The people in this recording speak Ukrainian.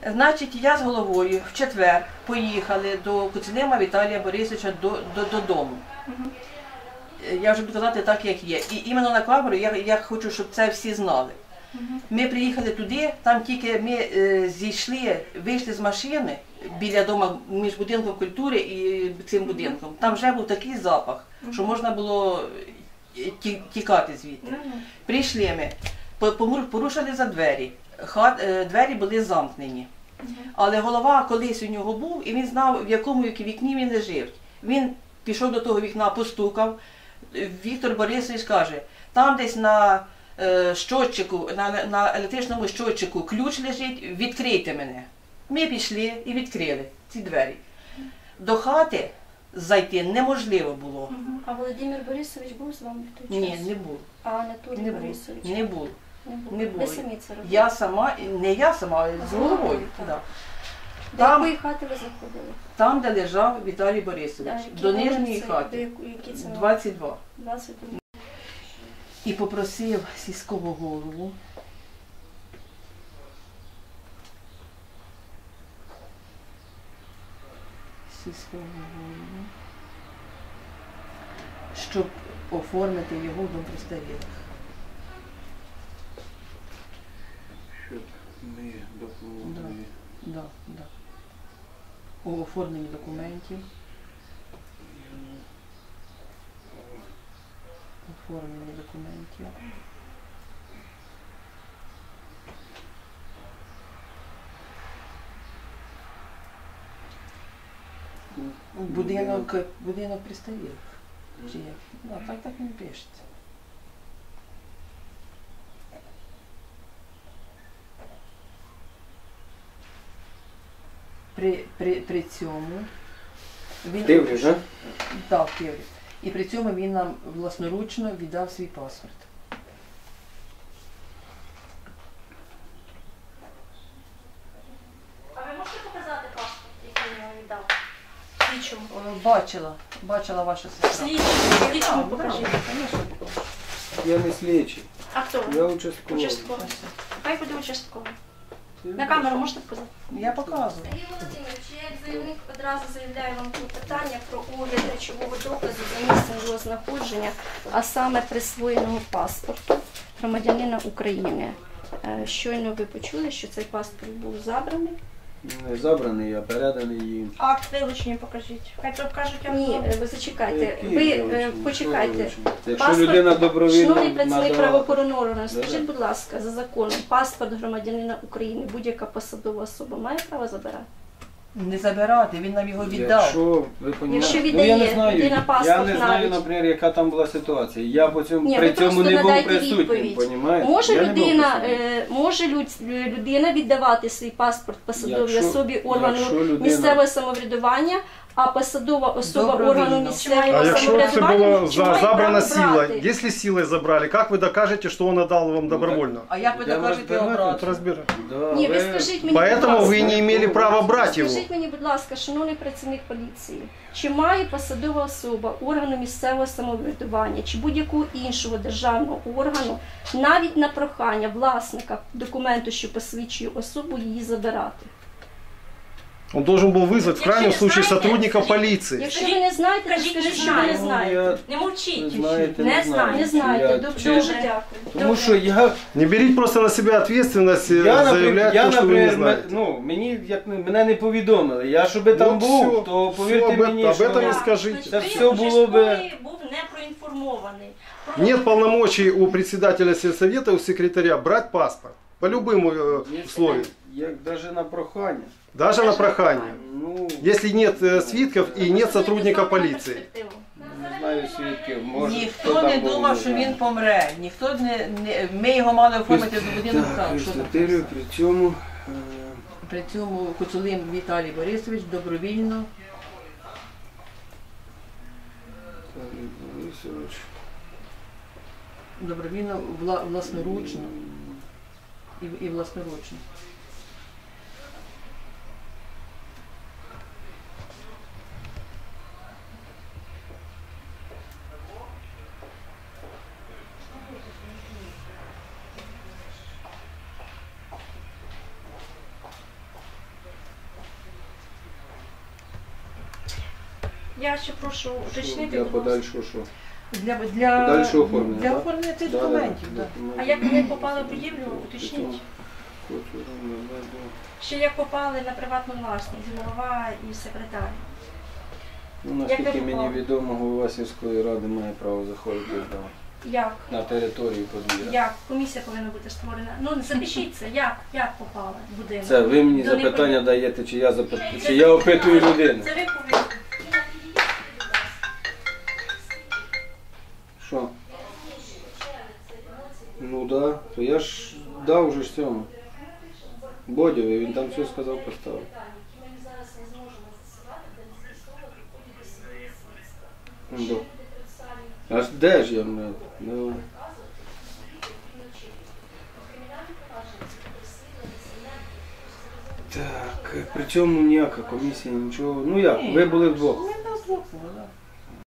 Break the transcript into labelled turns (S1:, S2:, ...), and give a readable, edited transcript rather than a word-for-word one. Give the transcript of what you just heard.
S1: Значить, я з головою в четвер поїхали до Куцелема Віталія Борисовича додому. Я вже буду казати так, як є. І іменно на камеру я хочу, щоб це всі знали. Ми приїхали туди, там тільки ми зійшли, вийшли з машини біля дому між будинком культури і цим будинком. Там вже був такий запах, що можна було тікати звідти. Прийшли ми, порушили за двері, двері були замкнені. Але голова колись у нього був, і він знав, в якому вікні він лежить. Він пішов до того вікна, постукав. Віктор Борисович каже, там десь на щотчику, на електричному щотчику ключ лежить, відкрийте мене. Ми пішли і відкрили ці двері. До хати зайти неможливо було.
S2: А Володимир Борисович був з вами в той час?
S1: Ні, не був.
S2: А Анатолій Борисович?
S1: Не був.
S2: Не було. Ви самі це робили?
S1: Я сама, не я сама, з головою.
S2: До якої хати ви заходили?
S1: Там, де лежав Віталій Борисович, до нижньої хати, 22. І попросив сільського голову щоб оформити його в дом престарілих.
S3: Щоб ми допомогли.
S1: Да. У оформленні документів. Оформлення документів. Будинок пристарілих. Чи як? Ну, так не пишеться. При цьому він...
S3: Тиврі, так?
S1: Так, в Тиврі. І при цьому він нам власноручно віддав свій паспорт.
S2: А ви можете показати паспорт, який він вам віддав? Слідчому?
S1: Бачила ваша сестра.
S2: Слідчому покажіть.
S3: Я не слідчий.
S2: А хто?
S3: Я участковий.
S2: Участковий. Хай буде участковий. На камеру можете показати?
S1: Я показую.
S2: Сергій Володимирович, я як заявник одразу заявляю вам клопотання про огляд речового доказу за місцем його знаходження, а саме присвоєного паспорту громадянина України. Щойно ви почули, що цей паспорт був забраний.
S3: Не забраний, а переданий їм.
S2: Акт вилучення покажіть. Хай покажуть вам. Ні, ви зачекайте. Ви почекайте.
S3: Якщо людина добровільно
S2: Шановний працівник
S3: надала...
S2: правоохоронного органу, скажіть, будь ласка, за законом, паспорт громадянина України будь-яка посадова особа має право забирати?
S1: Не забирати, він нам його віддав.
S3: Якщо ви
S2: Якщо
S3: розумієте,
S2: віддає,
S3: я не знаю,
S2: людина паспорт
S3: я не знаю,
S2: навіть.
S3: наприклад, яка там була ситуація. Я по цьому,
S2: Ні,
S3: при
S2: ви
S3: цьому
S2: просто
S3: не був
S2: надайте
S3: присутнім,
S2: відповідь.
S3: понімаєте?
S2: Може
S3: Я не був
S2: людина,
S3: присутнім.
S2: людина віддавати свій паспорт посадовій
S3: Якщо-
S2: особі органу
S3: якщо людина-
S2: місцевого самоврядування, а посадова особа
S1: Добровільно.
S2: органу
S4: А
S2: місцевого
S4: якщо це
S2: самоврядування
S4: було
S2: має
S4: забрано
S2: право брати.
S4: силой, если силой забрали, как вы докажете, что он отдал вам добровольно?
S1: А як ви
S3: Йдемо
S1: докажете
S3: розбирати.
S1: обратно?
S4: Разбирать.
S3: Да,
S2: Ні, ви скажіть мені,
S4: Поэтому
S2: будь
S4: вы
S2: ласка,
S4: не имели права брать его.
S2: скажіть мені, будь ласка, шановний працівник поліції, чи має посадова особа органу місцевого самоврядування чи будь-якого іншого державного органу навіть на прохання власника документу, що посвідчує особу, її забирати?
S4: Он должен был вызвать в
S5: Якщо
S4: крайнем
S5: не
S4: случае
S5: знаєте,
S4: сотрудника
S5: скажіть.
S4: полиции.
S2: Якщо ви не знаєте, то
S5: Кажіть,
S2: скажіть,
S5: не
S2: що ви не
S5: знаю.
S2: знаєте.
S5: Не мовчіть.
S3: знаєте,
S5: Не
S3: не знаю.
S2: Не знаєте,
S3: Я
S2: дуже
S3: чесно.
S2: дякую.
S3: Тому що я...
S4: Не берите просто на себя ответственность, заявлять то, что вы не знаете.
S3: Ну, мене не повідомили. Я, щоби там
S4: Вот
S3: був,
S4: всё,
S3: то
S4: всё
S3: повірте
S4: об
S3: мені,
S4: этом
S3: що...
S4: и скажите.
S3: Це
S5: Значить,
S3: все
S5: ви
S3: було би-
S5: участковий був не проінформований.
S4: Нет полномочий у председателя сельсовета, у секретаря брать паспорт. По любым условиям.
S3: Як навіть на прохання.
S4: Даже на прохание.
S3: Ну,
S4: Если нет свидков и нет сотрудника полиции.
S3: не знаю свідків, може, хто
S1: Ніхто
S3: там
S1: не
S3: був,
S1: думав,
S3: не
S1: що
S3: знаю.
S1: він помре. Ми його мали оформити до будинку.
S3: Так,
S1: Що там?
S3: Христотирю, при цьому...
S1: При цьому Куцулим Віталій Борисович добровільно
S3: Віталій Борисович.
S1: власноручно і власноручно.
S2: Я ще прошу уточнити,
S4: Для
S2: будь ласка.
S4: подальшого що?
S1: Для
S4: Подальшого оформлення,
S1: для
S4: так?
S1: оформлення цих
S4: Да, да,
S1: документів.
S4: да.
S1: Да.
S2: А як вони попали в будівлю, уточніть. Ще як попали на приватну власність, голова і секретар.
S4: Ну,
S2: Як
S4: наскільки
S2: ви
S4: мені
S2: попали?
S4: відомо, голова сільської ради має право заходити
S2: Як?
S4: на територію подвір'я.
S2: Як? Комісія повинна бути створена. Ну, запишіть це. Як попали в будинок?
S4: Це ви мені
S2: До
S4: запитання
S2: непонятно.
S4: даєте, чи я запитую, чи я опитую людину.
S2: Це ви повинні.
S4: Що? Ну так, да. То я ж дав вже ж цьому. Бодєві, він там все сказав, поставив. Ну, да. А ж де ж я, блядь? Ну. Так, при цьому ніяка комісія, нічого. Ну як, ви були вдвох.
S1: Ми на двох були, да.